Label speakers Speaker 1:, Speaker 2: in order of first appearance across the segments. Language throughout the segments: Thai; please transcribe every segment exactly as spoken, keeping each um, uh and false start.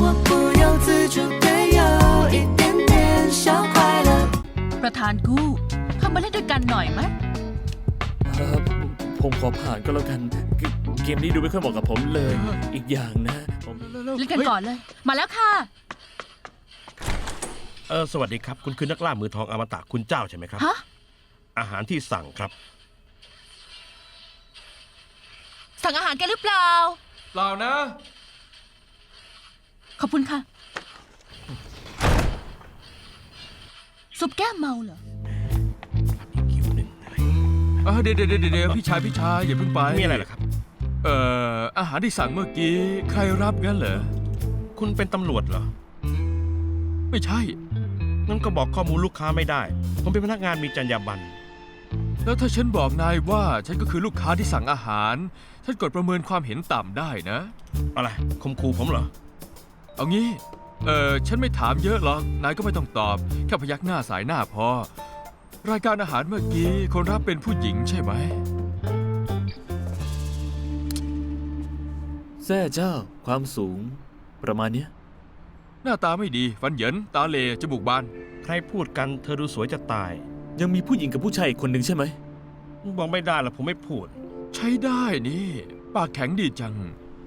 Speaker 1: 我不由自主的有一点点小快乐。
Speaker 2: ประธานกู้เข้ามาเล่นด้วยกันหน่อยไหม
Speaker 3: เอ่อผมขอผ่านก็แล้วกันเกเกมนี้ดูไม่ค่อยเหมาะกับผมเลย อีกอย่างนะผม
Speaker 2: เล่นกันก่อนเลย มาแล้วค่ะ
Speaker 4: เออสวัสดีครับคุณคือนักล่ามือทองอมตะคุณเจ้าใช่ไหมครับ
Speaker 2: ฮะ
Speaker 4: อาหารที่สั่งครับ
Speaker 2: สั่งอาหารกันหรือเปล่า
Speaker 5: เปล่านะ
Speaker 2: ขอบคุณค่ะ ซุปแก้มเมาเหรอ
Speaker 4: อีกคิวหนึ่ง
Speaker 5: เออเดี๋ยวเดี๋ยวเดี๋ยวเดี๋ยวพี่ชายพี่ชายอย่าเพิ่งไป
Speaker 4: มีอะไรเหรอครับ
Speaker 5: เอ่ออาหารที่สั่งเมื่อกี้ใครรับงั้นเหรอ
Speaker 4: คุณเป็นตำรวจเหรอ
Speaker 5: ไม่ใช่
Speaker 4: งั้นก็บอกข้อมูลลูกค้าไม่ได้ ผมเป็นพนักงานมีจรรยาบรรณ
Speaker 5: แล้วถ้าฉันบอกนายว่าฉันก็คือลูกค้าที่สั่งอาหาร ฉันกดประเมินความเห็นต่ำได้นะ
Speaker 4: อะไรคมคูผมเหรอ
Speaker 5: เอางี้ เอ่อฉันไม่ถามเยอะหรอกนายก็ไม่ต้องตอบแค่พยักหน้าสายหน้าพอ รายการอาหารเมื่อกี้คนรับเป็นผู้หญิงใช่ไหม
Speaker 3: แซ่เจ้าความสูง ประมาณเนี้ย
Speaker 5: หน้าตาไม่ดีฟันเหยินตาเหลจมูกบาน
Speaker 4: ใครพูดกันเธอดูสวยจะตาย
Speaker 3: ยังมีผู้หญิงกับผู้ชายอีกคนหนึ่งใช่ไหม
Speaker 4: บอกไม่ได้หรอกผมไม่พูด
Speaker 5: ใช้ได้นี่ปากแข็งดีจัง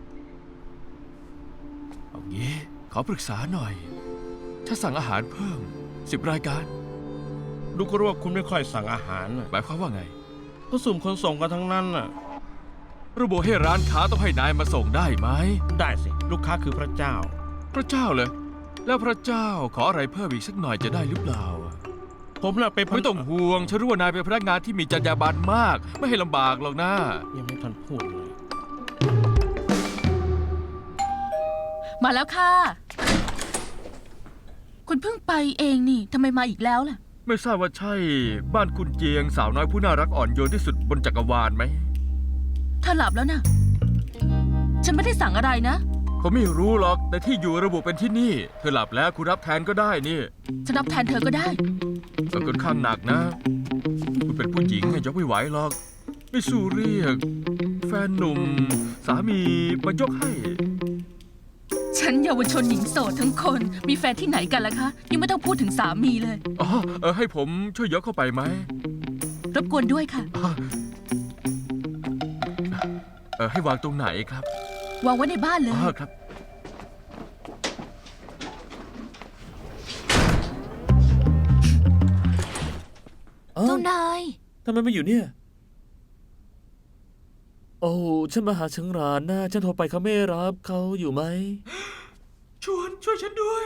Speaker 5: เอางี้ขอปรึกษาหน่อย ถ้าสั่งอาหารเพิ่มสิบรายการ
Speaker 4: ดูก็รู้ว่าคุณไม่ค่อยสั่งอาหารน่ะ
Speaker 5: หมายความว่าไง
Speaker 4: ก็สุ่มคนส่งกันทั้งนั้นน่ะ
Speaker 5: ระบุให้ร้านค้าต้องให้นายมาส่งได้ไหม
Speaker 4: ได้สิลูกค้าคือพระเจ้า
Speaker 5: พระเจ้าเลยแล้วพระเจ้าขออะไรเพิ่มอีกสักหน่อยจะได้หรือเปล่า
Speaker 4: ผมน่ะเป็นพ
Speaker 5: ไม่ต้องห่วงฉันรู้ว่านายเป็นพนักงานที่มีจรรยาบรรณมาก ไม่ให้ลำบากหรอกนะ
Speaker 4: ยังไม่ทันพูดเลย
Speaker 2: มาแล้วค่ะ คุณเพิ่งไปเองนี่ทำไมมาอีกแล้วล่ะ
Speaker 5: ไม่ทราบว่าใช่บ้านคุณเจียงสาวน้อยผู้น่ารักอ่อนโยนที่สุดบนจักรวาลไหม
Speaker 2: เธอหลับแล้วนะ ฉันไม่ได้สั่งอะไรนะ
Speaker 5: ผมไม่รู้หรอกแต่ที่อยู่ระบุเป็นที่นี่ เธอหลับแล้วคุณรับแทนก็ได้นี่
Speaker 2: ฉันรับแทนเธอก็ได้
Speaker 5: แต่ค่อนข้างหนักนะ คุณเป็นผู้หญิงยกไม่ไหวหรอก ไม่สู้เรียก แฟนหนุ่ม สามีมายกให้
Speaker 2: ฉันเยาวชนหญิงโสดทั้งคน มีแฟนที่ไหนกันล่ะคะ ยังไม่ต้องพูดถึงสามีเลย
Speaker 5: อ๋อเออให้ผมช่วยยกเข้าไปไหม
Speaker 2: รบกวนด้วยค่ะ
Speaker 5: เออให้วางตรงไหนครับ
Speaker 2: วางไว้ในบ้านเลย
Speaker 5: อ๋อครับ
Speaker 3: เอ้า
Speaker 6: เจ้านาย
Speaker 3: ทำไมไม่อยู่เนี่ย โอ้ฉันมาหาเชิงรานนะฉันโทรไปเขาไม่รับเขาอยู่ไหม
Speaker 5: ชวนช่วยฉันด้วย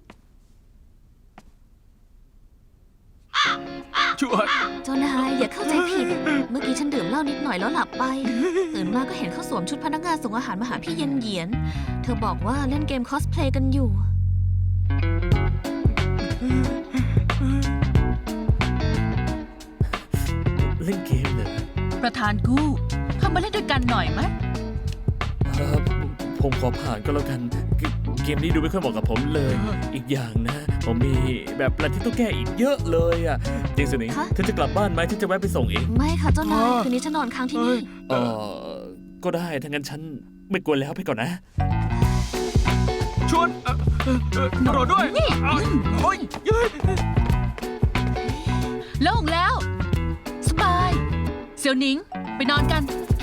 Speaker 5: ชวน
Speaker 6: เจ้านายอย่าเข้าใจผิด เมื่อกี้ฉันดื่มเหล้านิดหน่อยแล้วหลับไป ตื่นมาก็เห็นเขาสวมชุดพนักงานส่งอาหารมาหาพี่เย็นเหยียน เธอบอกว่าเล่นเกมคอสเพลย์กันอยู่
Speaker 3: เล่นเกมเหรอ
Speaker 2: ประธานกู้เข้ามาเล่นด้วยกันหน่อยไหม
Speaker 3: เอ่อผมขอผ่านก็แล้วกันเกเกมนี้ดูไม่ค่อยเหมาะกับผมเลย อีกอย่างนะ ผมมีแบบอะไรที่ต้องแก้อีกเยอะเลยอ่ะเจงสนิง
Speaker 6: คะ
Speaker 3: เธอจะกลับบ้านไหมฉันจะแวะไปส่งเอง
Speaker 6: ไม่ค่ะเจ้านาย คืนนี้ฉันนอนค้างที่นี่
Speaker 3: เออก็ได้ถ้างั้นฉันไม่กวนแล้วไปก่อนนะ
Speaker 5: ชวนเอ่อเอ่อเอ่อรอด้วยเอ้ยโอ้ยเย้ย
Speaker 2: โล่งแล้ว สบาย เสี่ยวหนิง ไปนอนกัน